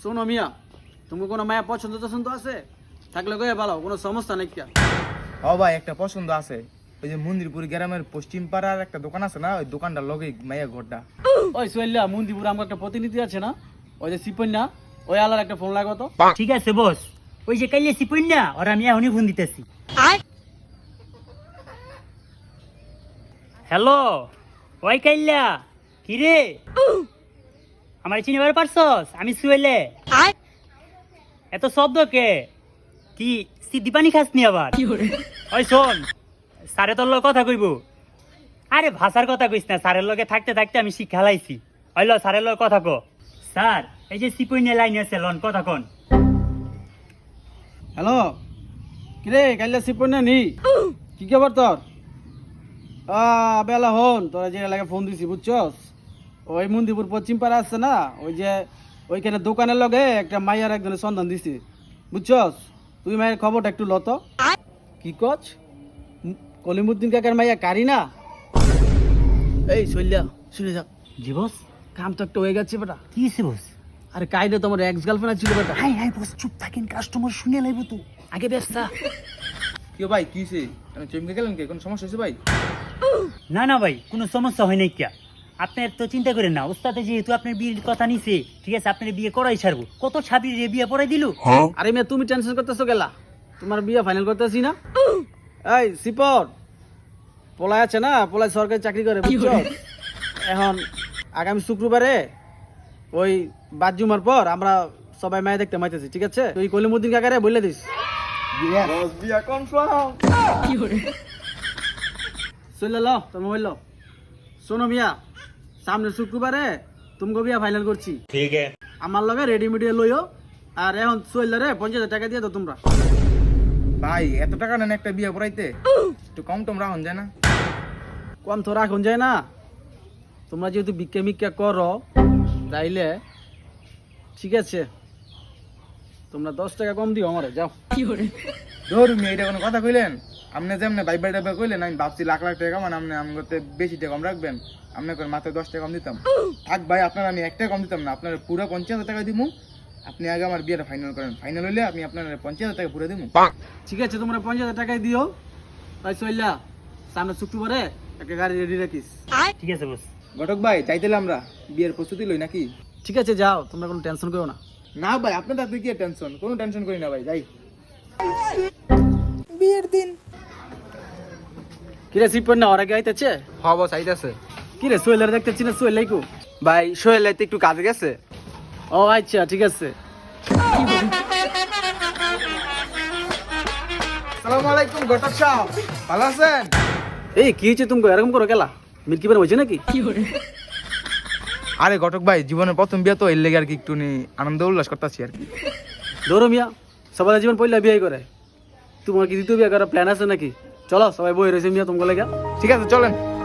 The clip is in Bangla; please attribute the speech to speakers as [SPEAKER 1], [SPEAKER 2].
[SPEAKER 1] শোনো মিয়া, তুমি কোনো মায়া পছন্দ টছন্দ আছে থাকলে কয়ে ভালো, কোনো সমস্যা নেই কিয়া।
[SPEAKER 2] ও ভাই একটা পছন্দ আছে, ওই যে মন্দিরপুর গ্রামের পশ্চিম পাড়ার একটা দোকান আছে না, ওই দোকানটার লগে মাইয়া ঘরটা।
[SPEAKER 1] ওই সোহেলিয়া, মন্দিপুর আমার একটা প্রতিনিধি আছে না, ওই যে সিপন্যা, ওই আলার একটা ফোন লাগো তো।
[SPEAKER 3] ঠিক আছে বস, ওই যে কাইলে সিপুন না, ওরা আমি এখনই ফোন দিতেছি। হ্যালো, ওই কাইল্লা, কি রে আমার চিনিবার পারছস? আমি সুয়েলে। এত শব্দ কে? কি সিদ্ধি পানি খাস নি আবার? ওই শোন, স্যারে তোর লগে কথা কইব। আরে ভাষার কথা কইস না, স্যারের লগে থাকতে থাকতে আমি শিক্ষা লাইছি। ওই ল স্যারের লগে কথা কো। স্যার, এই যে সিপুইনে লাইন আছে, লন কথা কন।
[SPEAKER 1] হ্যালো, কিরে কাইলে সিপন্যা নি, কি খবর তোর? বেলা হন তোরা যে এলাকায় ফোন দিছি বুঝছস, ওই মন্দিপুর পশ্চিম পাড়া আছে না, ওই যে ওইখানে দোকানের লগে একটা মাইয়ার একজনের সন্ধান দিছি বুঝছস। তুই মায়ের খবরটা একটু লত। কি কচ? কলিমুদ্দিন কাকার মাইয়া কারি না? এই শৈল্যা শুনে যাক,
[SPEAKER 3] জি বস।
[SPEAKER 1] কাম তো একটা হয়ে গেছে বেটা।
[SPEAKER 3] কি হইছে বস?
[SPEAKER 1] আরে কাইলে তোমার এক্স গার্লফ্রেন্ড ছিল বেটা।
[SPEAKER 3] হাই হাই বস, চুপ থাকেন, কাস্টমার শুনে লাইব তো। আগে ব্যবসা।
[SPEAKER 2] কি ভাই কি হয়েছে? চমকে গেলেন কে? কোনো সমস্যা হয়েছে ভাই?
[SPEAKER 3] না না ভাই, কোনো সমস্যা হয় নাই কিয়া। আপনার তো চিন্তা করেন না, ওস্তাদে যেহেতু আপনার বিয়ের কথা নিছে, ঠিক আছে আপনার বিয়ে করাই ছাড়বো। কত ছাবির রে বিয়ে পড়াই দিল।
[SPEAKER 1] আরে মেয়ে তুমি টেনশন করতেছো গেলা, তোমার বিয়ে ফাইনাল করতেছি না। এই সিপর পোলাই আছে না, পোলাই সরকারি চাকরি করে বুঝছো। এখন আগামী শুক্রবারে ওই বাদজুমার পর আমরা সবাই মায়ে দেখতে মাইতেছি, ঠিক আছে? তুই কলিমুদ্দিন কাকারে বলে দিস।
[SPEAKER 2] বিয়া কনফার্ম।
[SPEAKER 1] চলে ল তোর মোবাইল ল। শোনো মিয়া, সামনের শুক্রবারে তুমি বিয়া ফাইনাল করছি,
[SPEAKER 2] ঠিক আছে
[SPEAKER 1] আমার লগে রেডি মিডিয়া লইও। আর এখন চললে 50,000 টাকা দিয়ে দাও তোমরা।
[SPEAKER 2] ভাই, এত টাকা নেন একটা বিয়ে পড়াইতে? একটু কম টম রাখুন যায় না?
[SPEAKER 1] কম তো রাখুন যায় না, তোমরা যেহেতু ভিক্ষা মিক্ষা করো তাইলে ঠিক আছে, তোমরা 10 টাকা কম দিও আমারে, যাও।
[SPEAKER 2] ধরুন এটা কোনো কথা কইলেন? আপনি যেমন বাইবা টাইবা কইলেন, আমি ভাবছি লাখ লাখ টাকা মানে আপনি আমি করতে বেশি টাকা কম রাখবেন, আপনি করে মাত্র 10 টাকা কম দিতাম। থাক ভাই, আপনার আমি 1 টাকা কম দিতাম না, আপনার পুরো 50,000 টাকা দিব। আপনি আগে আমার বিয়েটা ফাইনাল করেন, ফাইনাল হইলে আমি আপনার 50,000 টাকা পুরো দিব।
[SPEAKER 1] ঠিক আছে, তোমরা 50,000 টাকাই দিও। তাই চললা সামনে শুক্রবারে একটা গাড়ি রেডি রাখিস।
[SPEAKER 3] ঠিক আছে বস।
[SPEAKER 2] ঘটক ভাই, চাইতেলে আমরা বিয়ের প্রস্তুতি লই নাকি?
[SPEAKER 1] ঠিক আছে যাও, তোমরা কোনো টেনশন করো না।
[SPEAKER 2] না ভাই, আপনার আপনি কি টেনশন? কোনো টেনশন করি না ভাই, যাই।
[SPEAKER 1] কিরে সিপন না ওরা গাইতেছে?
[SPEAKER 2] হ্যাঁ বস, আইতাছে।
[SPEAKER 1] কিরে সোহেলার দেখতেছি না, সোহেলাই কো?
[SPEAKER 2] ভাই সোহেল একটু কাজে গেছে।
[SPEAKER 1] ও আচ্ছা ঠিক আছে।
[SPEAKER 2] আসসালামু আলাইকুম ঘটক সাহেব, ভালো আছেন?
[SPEAKER 1] এই কি হয়েছে তুমি এরকম করো গেলা? মিল্কি বার হয়েছে নাকি?
[SPEAKER 2] আরে ঘটক ভাই, জীবনের প্রথম বিয়ে তো, এর লেগে আর কি একটু আনন্দ উল্লাস করতেছি আর কি।
[SPEAKER 1] ধরো মিয়া, সবাই জীবন পয়লা বিয়ে করে, তোমার কি দ্বিতীয় বিয়ে করার প্ল্যান আছে নাকি? চলো সবাই বই রয়েছে মিয়া তোমাকে লেগে।
[SPEAKER 2] ঠিক আছে চলেন।